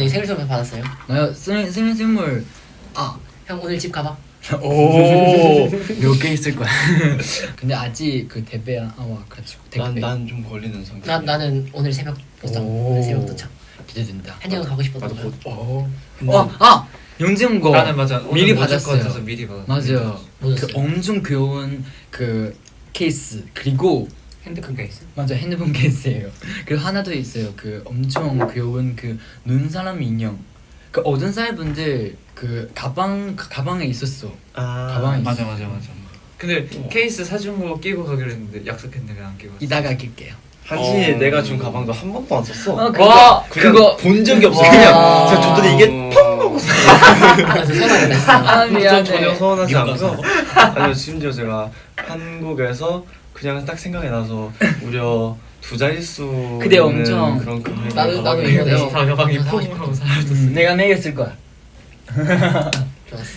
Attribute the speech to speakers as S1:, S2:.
S1: 네, 생일 선물 받았어요.
S2: 나요 생일 선물.
S1: 형 오늘 집 가봐.
S2: 오몇 개 있을 거야. 근데 아직 그 대배야 와가지고 대배.
S3: 난 좀 걸리는 성격.
S1: 나는 오늘 새벽 도착. 오늘 새벽 도착.
S2: 기대된다.
S1: 한영은 가고 싶었던
S4: 나도
S1: 거야.
S4: 곧.
S2: 영재 형 거.
S4: 나는 맞아.
S2: 미리
S4: 오늘
S2: 받았어요.
S4: 것 같아서 미리 받았어.
S2: 맞아요. 그
S1: 뭐였어요?
S2: 엄청 귀여운 그 케이스 그리고
S4: 핸드폰 케이스.
S2: 맞아 핸드폰 케이스예요. 그리고 하나 더 있어요. 그 엄청 귀여운 그 눈사람 인형. 그 어떤 사이 분들 그 가방에 있었어. 가방에
S4: 맞아
S2: 있어.
S4: 맞아. 근데 케이스 사준 거 끼고 가기로 했는데 약속했는데 왜 안 끼고 왔어?
S2: 이따가 낄게요.
S3: 한시 내가 준 가방도 한 번도 안 썼어.
S2: 그거
S3: 본 적이 없어.
S1: 와.
S3: 그냥 제가 줬더니 이게 펑 하고
S1: 맞아 서운하겠다 진짜.
S2: 미안해.
S3: 전혀 서운하지
S4: 미국
S3: 않고서 아니요 심지어 제가 한국에서 그냥 딱 생각이 나서 무려 2자릿수
S2: 그때
S3: 있는
S2: 엄청
S3: 그런 금액
S1: 나도
S3: 가방을
S1: 이번에
S3: 해서
S4: 가방이
S1: 사고
S4: 퐁
S1: 싶었어.
S4: 하고 사라졌어.
S2: 내가 매겼을 거야.